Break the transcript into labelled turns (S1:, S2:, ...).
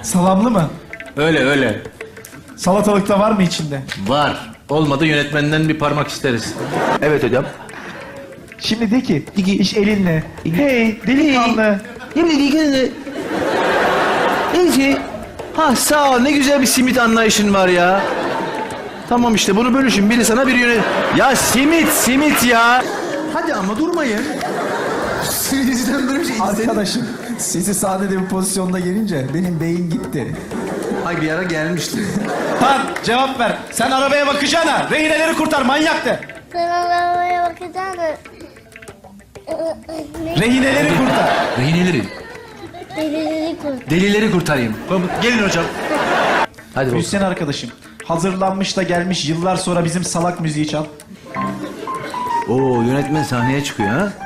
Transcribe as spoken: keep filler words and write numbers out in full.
S1: Salamlı mı?
S2: Öyle öyle.
S1: Salatalık da var mı içinde?
S2: Var. Olmadı yönetmenden bir parmak isteriz. Evet hocam.
S1: Şimdi de ki, iş elinle. Hey delikanlı.
S2: Şimdi Neyse. Ha sağ ol, ne güzel bir simit anlayışın var ya. Tamam işte bunu bölüşün, biri sana biri yönet... Ya simit simit ya. Hadi ama durmayın.
S3: Sizden böyle bir şey istedim.
S1: Arkadaşım, sizi sahnede bir pozisyonda gelince benim beyin gitti.
S2: Ay bir ara gelmişti.
S1: Lan cevap ver. Sen arabaya bakacağına rehineleri kurtar manyak de.
S4: Sen arabaya bakacağım da...
S1: Rehineleri kurtar.
S2: Rehineleri,
S4: Delileri kurt.
S2: delileri kurtarayım. Gelin hocam. Hadi bakalım.
S1: Hüseyin arkadaşım, hazırlanmış da gelmiş yıllar sonra bizim salak müziği çal.
S2: Oo, yönetmen sahneye çıkıyor ha.